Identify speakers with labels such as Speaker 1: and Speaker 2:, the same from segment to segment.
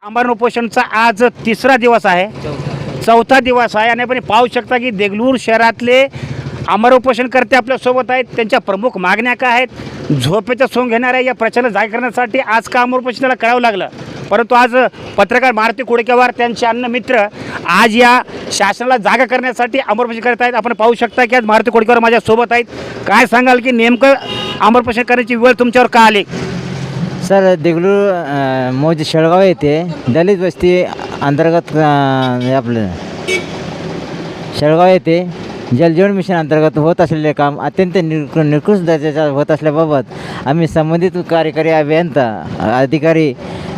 Speaker 1: आमरण उपोषणचा आज तिसरा दिवस आहे, चौथा दिवस आहे आणि आपण पाहू शकता की देगलूर शहरातले आमरण उपोषणकर्ते आपल्यासोबत आहेत. त्यांच्या प्रमुख मागण्या काय आहेत? झोपेचं सोंग घेणाऱ्या या प्रचाराला जाग करण्यासाठी आज का आमरण उपोषणाला करावं लागलं, परंतु आज पत्रकार मारुती कुडकेवार त्यांचे अन्न मित्र आज या शासनाला जागा करण्यासाठी आमरण उपोषण करत आहेत. आपण पाहू शकता की आज मारुती कुडकेवार माझ्यासोबत आहेत. काय सांगाल की नेमकं आमरण उपोषण करण्याची वेळ तुमच्यावर का आली?
Speaker 2: सर, देगलूर मौज शेळगाव येथे दलित वस्ती अंतर्गत आपलं शेळगाव येथे जलजीवन मिशन अंतर्गत होत असलेले काम अत्यंत निकृष्ट दर्जाचे होत असल्याबाबत आम्ही संबंधित कार्यकारी अभियंता अधिकारी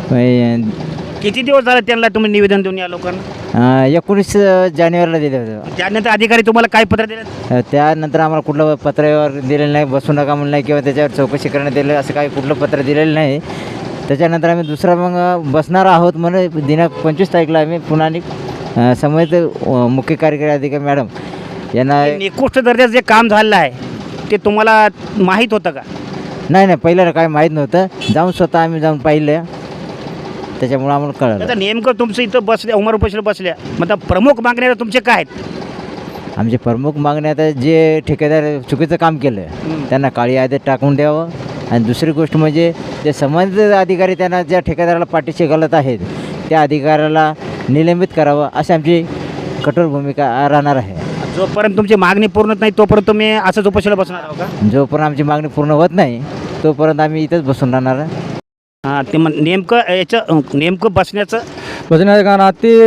Speaker 1: किती दिवस झाले त्यांना तुम्ही निवेदन देऊन या लोकांना?
Speaker 2: 19 जानेवारीला दिले होते.
Speaker 1: त्यानंतर अधिकारी तुम्हाला काय पत्र दिलं?
Speaker 2: त्यानंतर आम्हाला कुठलं पत्रावर दिलेलं नाही, बसू नका म्हणलं नाही किंवा त्याच्यावर चौकशी करण्यात दिलं असं काही कुठलं पत्र दिलेलं नाही. त्याच्यानंतर आम्ही दुसरा मग बसणार आहोत म्हणून दिनांक 25 तारीखला आम्ही पुन्हा संबंधित मुख्य कार्यकारी अधिकारी मॅडम यांना
Speaker 1: निकृष्ट दर्जाचं जे काम झालेलं आहे ते तुम्हाला माहीत होतं का?
Speaker 2: नाही पहिल्याला काय माहीत नव्हतं. स्वतः आम्ही जाऊन पाहिलं, त्याच्यामुळे आम्हाला कळलं.
Speaker 1: आता नेमकं तुमचं इथं बसल्या आमरण उपोषण बसल्या, मग प्रमुख मागण्या तुमचे काय आहेत?
Speaker 2: आमचे प्रमुख मागण्या आता जे ठेकेदार चुकीचं काम केलं त्यांना काळी यादीत टाकून द्यावं, आणि दुसरी गोष्ट म्हणजे जे संबंधित अधिकारी त्यांना ज्या ठेकेदाराला पाठीशी घालत आहेत त्या अधिकाऱ्याला निलंबित करावं अशी आमची कठोर भूमिका राहणार आहे.
Speaker 1: जोपर्यंत तुमची मागणी पूर्ण होत नाही तोपर्यंत तुम्ही असंच उपोषणाला बसणार आहोत का?
Speaker 2: जोपर्यंत आमची मागणी पूर्ण होत नाही तोपर्यंत आम्ही इथंच बसून राहणार आहे.
Speaker 1: हां, ते नेमकं बसण्याचं
Speaker 3: कारण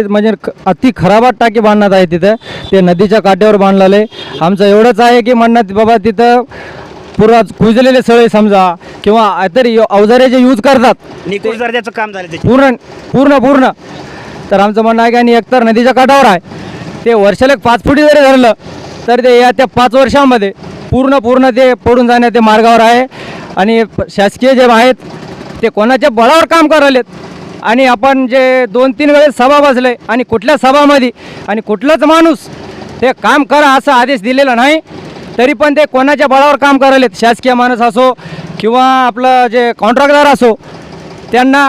Speaker 3: अति खराबात टाकी बांधण्यात आहे तिथं. ते नदीच्या काठ्यावर बांधलेले. आमचं एवढंच आहे की म्हणण्यात बाबा तिथं पुरा कुजलेले सळे समजा किंवा तरी अवजारे जे यूज करतात
Speaker 1: निकृष्ट दर्जाचं काम झालं त्याचे
Speaker 3: पूर्ण तर आमचं म्हणणं आहे की आणि एकतर नदीच्या काठावर आहे ते वर्षाला 5 फुटी जरी धरलं तर ते त्या 5 वर्षामध्ये पूर्ण ते पडून जाण्या ते मार्गावर आहे. आणि शासकीय जे आहेत ते कोणाच्या बळावर काम करायलेत. आणि आपण जे 2-3 वेळेस सभा बसले आणि कुठल्या सभामध्ये आणि कुठलाच माणूस ते काम करा असा आदेश दिलेला नाही, तरी पण ते कोणाच्या बळावर काम करायलेत. शासकीय माणूस असो किंवा आपलं जे कॉन्ट्रॅक्टदार असो, त्यांना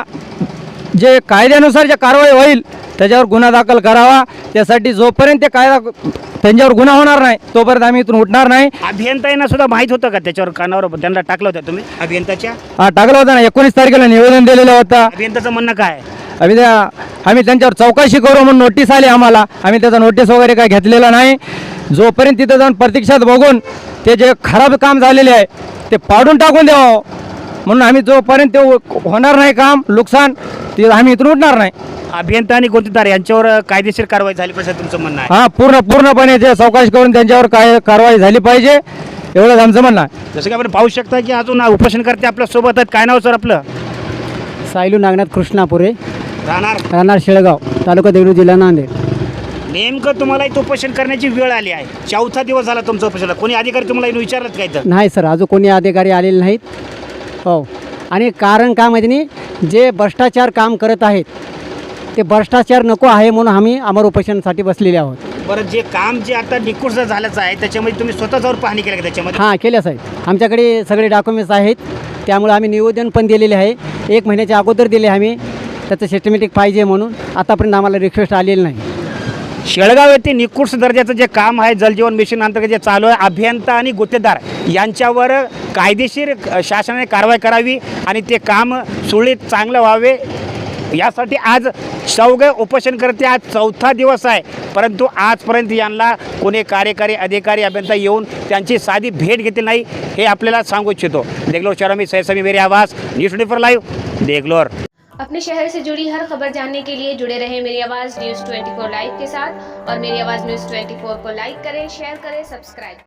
Speaker 3: जे कायद्यानुसार जे कारवाई होईल त्याच्यावर गुन्हा दाखल करावा. त्यासाठी जोपर्यंत ते कायदा त्यांच्यावर गुन्हा होणार नाही तोपर्यंत आम्ही इथून उठणार नाही.
Speaker 1: अभियंत्यांना सुद्धा माहीत होतं का त्याच्यावर कानावर त्यांना टाकलं होतं तुम्ही अभियंताच्या?
Speaker 3: टाकलं होतं ना, 19 तारखेला निवेदन दिलेलं होतं.
Speaker 1: अभियंताचं म्हणणं काय?
Speaker 3: आम्ही त्यांच्यावर चौकशी करू म्हणून नोटीस आली आम्हाला. आम्ही त्याचा नोटीस वगैरे काय घेतलेला नाही. जोपर्यंत तिथं जाऊन प्रत्यक्षात बघून ते जे खराब काम झालेले आहे ते पाडून टाकून द्यावं म्हणून आम्ही जोपर्यंत ते होणार नाही काम नुकसान ते आम्ही इथून उठणार नाही.
Speaker 1: अभियंता आणि गुंतवणूकदार यांच्यावर कायदेशीर कारवाई झाली पाहिजे तुमचं म्हणणं आहे?
Speaker 3: हां, पूर्णपणे ते चौकशी करून त्यांच्यावर काय कारवाई झाली पाहिजे एवढंच आमचं म्हणणं आहे.
Speaker 1: जसं की आपण पाहू शकता की अजून उपोषणकर्ते आपल्या सोबत आहेत. काय नाव सर आपलं?
Speaker 4: सायलू नागनाथ कृष्णापुरे,
Speaker 1: राहणार
Speaker 4: शेळगाव, तालुका देगलूर, जिल्हा नांदेड.
Speaker 1: नेमकं तुम्हाला इथं उपोषण करण्याची वेळ आली आहे. चौथा दिवस झाला तुमचं उपोषणाला. कोणी अधिकारी तुम्हाला इथून विचारलं काय? तर
Speaker 4: नाही सर, अजून कोणी अधिकारी आलेले नाहीत. हो, आणि कारण काय माहिती नाही, जे भ्रष्टाचार काम करत आहेत ते भ्रष्टाचार नको आहे म्हणून आम्ही आमरण उपोषणासाठी बसलेले आहोत.
Speaker 1: बरं, जे काम जे आता निकृष्ट झाल्याचं आहे त्याच्यामध्ये तुम्ही स्वतः जाऊन पाहणी केली का त्याच्यामध्ये?
Speaker 4: हां, केल्या साहेब. आमच्याकडे सगळे डॉक्युमेंट्स आहेत, त्यामुळे आम्ही निवेदन पण दिलेले आहे. 1 महिन्याच्या अगोदर दिले आम्ही, त्याचं सिस्टमॅटिक पाहिजे म्हणून. आतापर्यंत आम्हाला रिक्वेस्ट आलेली नाही.
Speaker 1: शेळगाव येथे निकृष्ट दर्जाचं जे काम आहे जलजीवन मिशन अंतर्गत जे चालू आहे, अभियंता आणि गुत्तेदार यांच्यावर कायदेशीर शासनाने कारवाई करावी आणि ते काम सुरळीत चांगलं व्हावे यासाठी आज सौगे उपोषणकर्ते आज चौथा दिवस आहे, परंतु आजपर्यंत यांना कोणी कार्यकारी अधिकारी अभियंता येऊन त्यांची साधी भेट घेतली नाही, हे आपल्याला सांगू इच्छितो. देगलूर शहर में सैसमी मेरी आवाज़, न्यूज़ 24 लाइव, देगलूर.
Speaker 5: अपने शहर से जुड़ी हर खबर जानने के लिए जुड़े रहें मेरी आवाज़ न्यूज़ 24 लाइव के साथ, और मेरी आवाज़ न्यूज़ 24 को लाइक करें, शेयर करें, सब्सक्राइब